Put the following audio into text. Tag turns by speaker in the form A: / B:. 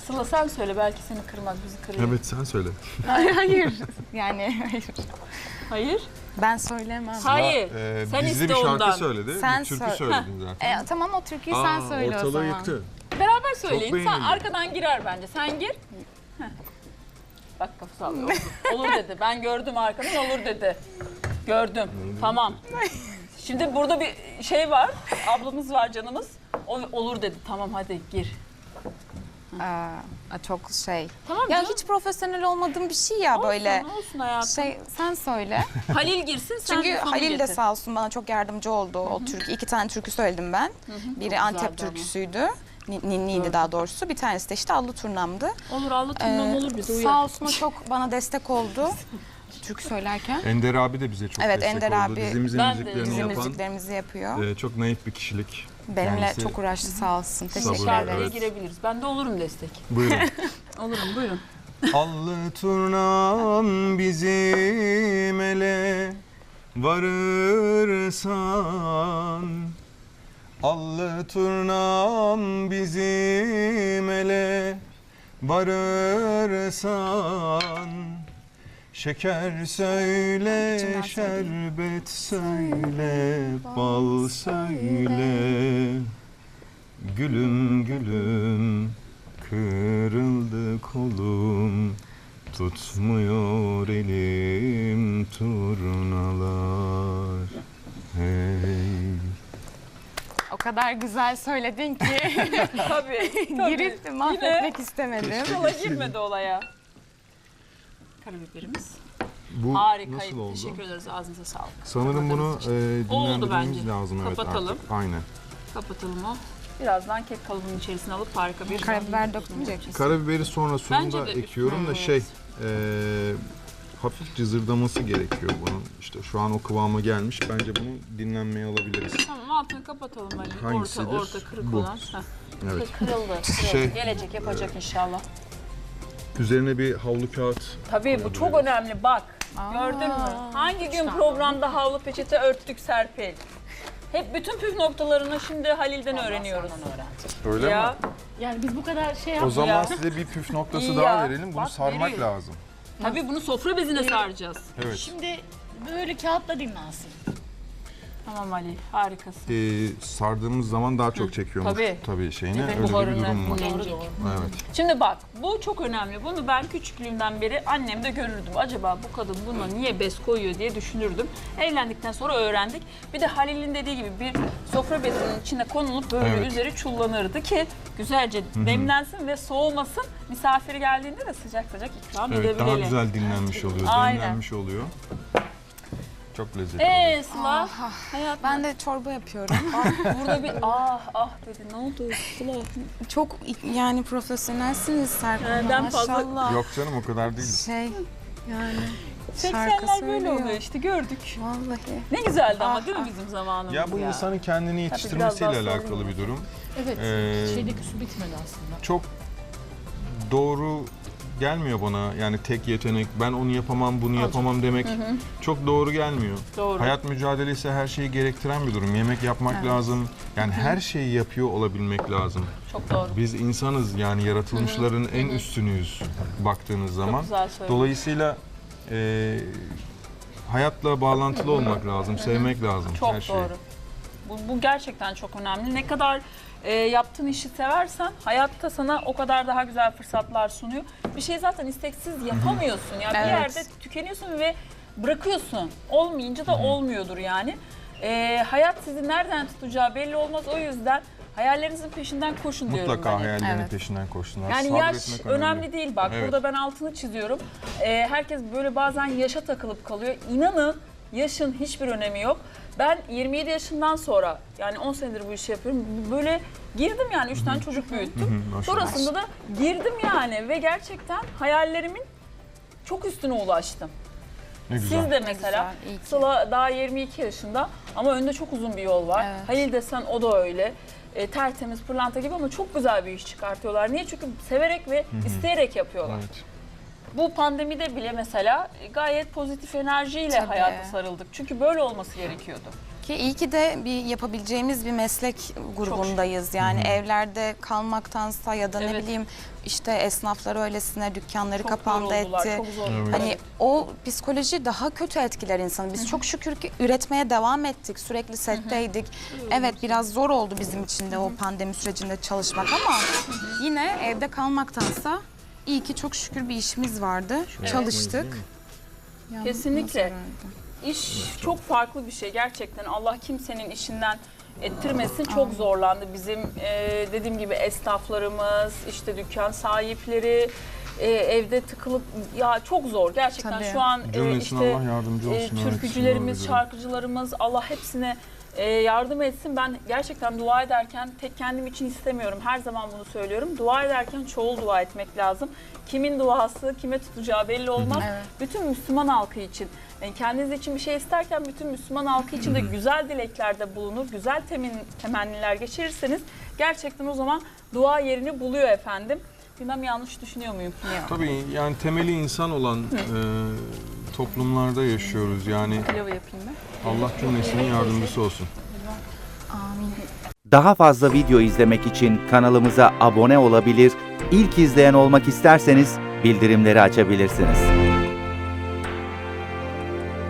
A: Sıla sen söyle, belki seni kırmaz, bizi kırıyor.
B: Evet, sen söyle.
C: Hayır. Yani hayır.
A: Hayır.
C: Ben söylemem.
A: Hayır. Sen
B: bizde
A: iste
B: bir şarkı
A: ondan.
B: söyledi,
C: Sen
B: bir türkü
C: söyle.
B: söyledin zaten.
C: Tamam, o türküyü sen söyle o
B: ortalığı
C: zaman.
B: yıktı.
A: Beraber söyleyin. Sen
B: beğenildi.
A: arkadan girer bence. Sen gir. Heh. Bak kafa sallıyor. Olur dedi. Ben gördüm arkadan, olur dedi. Gördüm. Tamam. Şimdi burada bir şey var. Ablamız var, canımız. O olur dedi. Tamam hadi gir.
C: Çok şey.
A: Tamam
C: Ya
A: canım.
C: hiç profesyonel olmadığım bir şey ya böyle.
A: Olsun hayatım.
C: Sen söyle.
A: Halil girsin, sen
C: Çünkü
A: sonu
C: Halil de
A: getir.
C: sağ olsun bana çok yardımcı oldu. O türkü, 2 tane türkü söyledim ben. Biri Antep
A: güzeldi ama.
C: türküsüydü. Ninniydi daha doğrusu. Bir tanesi de işte Allı Turnam'dı.
A: Olur, Allah turnam olur, bize uyar.
C: Sağ olsun o çok bana destek oldu. Türkü söylerken.
B: Ender abi de bize çok
C: Evet,
B: destek
C: Ender
B: oldu.
C: abi
B: Dizimizin
A: Ben de
B: müziklerini
C: Bizim
B: yapan
C: müziklerimizi yapıyor.
B: çok naif bir kişilik.
C: Benimle
B: kendisi-
C: çok uğraştı sağ olsun. Teşekkür
B: Sabır,
A: Şarkıya
C: ederiz.
A: girebiliriz. Ben de olurum destek.
B: Buyurun.
A: Olurum, buyurun.
B: Allı turnam bizim ele varırsan, allı turnam bizim ele varırsan, şeker söyle, şerbet söyle, bal söyle, gülüm gülüm kırıldı kolum, tutmuyor elim turnalar. Hey.
C: O kadar güzel söyledin ki
A: Tabii.
C: girip de mahvetmek istemedim.
A: Sıla girmedi olaya. Karabiberimiz.
B: Bu
A: Harikaydı.
B: nasıl oldu?
A: Teşekkür ederiz. Ağzınıza sağlık.
B: Sanırım bunu
A: Oldu
B: dinlendirmemiz
A: bence.
B: lazım. Evet,
A: Kapatalım.
B: artık. Aynen.
A: Kapatalım o. Birazdan kek kalıbının içerisine alıp harika bir...
C: Karabiber dökmeyecek misin?
B: Karabiberi sonra sonunda
A: Bence de
B: ekliyorum da
A: üstüne,
B: hafif cızırdaması gerekiyor bunun. İşte şu an o kıvama gelmiş. Bence bunu dinlenmeye alabiliriz.
A: Tamam, altını kapatalım Ali.
B: Hangisidir?
A: Orta kırık
B: Bu.
A: olan. Heh.
B: Evet.
A: Kırıldı.
B: Şey-
A: Gelecek, yapacak inşallah.
B: Üzerine bir havlu kağıt.
A: Tabii bu çok önemli, bak. Gördün mü? Hangi gün programda havlu peçete örttük Serpil? Hep bütün püf noktalarını şimdi Halil'den öğreniyoruz.
B: Öyle
A: Ya.
B: mi?
D: Yani biz bu kadar şey
B: O
D: yaptık.
B: zaman
A: Ya.
B: size bir püf noktası
A: İyi
B: daha
A: ya.
B: verelim. Bunu
A: Bak,
B: sarmak
A: veriyor.
B: lazım.
A: Tabii bunu sofra bezine saracağız.
B: Evet.
D: Şimdi böyle kağıtla dinlensin.
A: Tamam Ali, harikasın.
B: Sardığımız zaman daha çok çekiyormuş.
A: Tabii.
B: Şeyine
A: Evet,
B: öyle bir
A: buharını
B: durum var.
A: dinlenecek.
B: Evet.
A: Şimdi bak, bu çok önemli. Bunu ben küçüklüğümden beri annemde görürdüm. Acaba bu kadın buna niye bez koyuyor diye düşünürdüm. Evlendikten sonra öğrendik. Bir de Halil'in dediği gibi bir sofra bezinin içine konulup böyle
B: Evet.
A: üzeri çullanırdı ki güzelce demlensin ve soğumasın. Misafiri geldiğinde de sıcak sıcak ikram
B: Evet,
A: edebilelim.
B: daha güzel dinlenmiş oluyor,
A: Aynen.
B: demlenmiş oluyor. Çok lezzetli oluyor.
A: Sıla, hayat
C: Ben de çorba yapıyorum.
A: burada bir ah dedi. Ne oldu Sıla?
C: Çok yani profesyonelsiniz Serkan.
A: Ben fazla-
C: Maşallah.
B: Yok canım, o kadar değil.
C: Şey yani şarkı
A: 80'ler böyle
C: söylüyor.
A: oluyor işte, gördük.
C: Vallahi.
A: Ne güzeldi ama değil mi bizim zamanımız
B: Ya bu insanın kendini yetiştirmesiyle
A: biraz daha
B: alakalı
A: sorun
B: bir durum.
D: Evet.
B: Ee,
D: Şeydeki su bitmedi aslında.
B: Çok doğru gelmiyor bana. Yani tek yetenek, ben onu yapamam, bunu yapamam demek çok doğru gelmiyor.
A: Doğru.
B: Hayat mücadelesi her şeyi gerektiren bir durum. Yemek yapmak lazım. Yani her şeyi yapıyor olabilmek lazım.
A: Çok doğru.
B: Biz insanız, yani yaratılmışların en üstünüyüz baktığınız zaman.
A: güzel söyledin.
B: Dolayısıyla hayatla bağlantılı olmak lazım, sevmek lazım
A: Çok
B: her şeyi.
A: doğru. Bu gerçekten çok önemli. Ne kadar yaptığın işi seversen hayatta sana o kadar daha güzel fırsatlar sunuyor. Bir şey zaten isteksiz yapamıyorsun. Yani bir
C: Evet.
A: yerde tükeniyorsun ve bırakıyorsun. Olmayınca da olmuyordur yani. Hayat sizi nereden tutacağı belli olmaz. O yüzden hayallerinizin peşinden koşun diyorum ben.
B: Mutlaka
A: hep.
B: hayallerinin
C: Evet.
B: peşinden koşsunlar.
A: Yani yaş
B: Sabretmek
A: önemli değil bak.
B: Evet.
A: Burada ben altını çiziyorum. Herkes böyle bazen yaşa takılıp kalıyor. İnanın yaşın hiçbir önemi yok. Ben 27 yaşından sonra, yani 10 senedir bu işi yapıyorum. Böyle girdim yani 3 tane çocuk büyüttüm.
B: Maşallah.
A: Sonrasında da girdim yani ve gerçekten hayallerimin çok üstüne ulaştım.
B: Ne güzel.
A: Siz de mesela,
C: güzel, iyi ki.
A: Sıla daha 22 yaşında ama önünde çok uzun bir yol var.
C: Evet.
A: Halil desen o da öyle. Tertemiz, pırlanta gibi ama çok güzel bir iş çıkartıyorlar. Niye? Çünkü severek ve isteyerek yapıyorlar.
B: Evet.
A: Bu pandemide bile mesela gayet pozitif enerjiyle
C: Tabii.
A: hayata sarıldık. Çünkü böyle olması gerekiyordu.
C: Ki iyi ki de bir yapabileceğimiz bir meslek grubundayız. Yani evlerde kalmaktansa ya da ne
A: Evet.
C: bileyim işte esnaflar öylesine dükkanları
A: Çok
C: kapandı
A: yoruldular,
C: etti.
A: çok zor.
B: Evet.
C: Hani o psikoloji daha kötü etkiler insanı. Biz çok şükür ki üretmeye devam ettik. Sürekli setteydik. Evet biraz zor oldu bizim için de o pandemi sürecinde çalışmak ama yine evde kalmaktansa iyi ki çok şükür bir işimiz vardı. Çalıştık. Yani
A: Kesinlikle.
C: nasıl herhalde?
A: İş çok farklı bir şey gerçekten. Allah kimsenin işinden ettirmesin. Çok zorlandı bizim dediğim gibi esnaflarımız, işte dükkan sahipleri, evde tıkılıp ya çok zor gerçekten.
C: Tabii.
A: Şu an
B: Cümlesine
A: işte
B: Allah yardımcı olsun. Evet,
A: türkücülerimiz,
B: şunlar
A: şarkıcılarımız Allah hepsine yardım etsin. Ben gerçekten dua ederken tek kendim için istemiyorum. Her zaman bunu söylüyorum. Dua ederken çoğul dua etmek lazım. Kimin duası kime tutacağı belli olmaz.
C: Evet.
A: Bütün Müslüman halkı için. Yani kendiniz için bir şey isterken bütün Müslüman halkı için de güzel dileklerde bulunur, güzel temenniler geçirirseniz gerçekten o zaman dua yerini buluyor efendim. Bilmem yanlış düşünüyor muyum?
B: Tabii yani temeli insan olan toplumlarda yaşıyoruz. Yani
A: Pilavı yapayım ben.
B: Allah cümlesinin yardımcısı olsun.
C: Amin.
E: Daha fazla video izlemek için kanalımıza abone olabilir, ilk izleyen olmak isterseniz bildirimleri açabilirsiniz.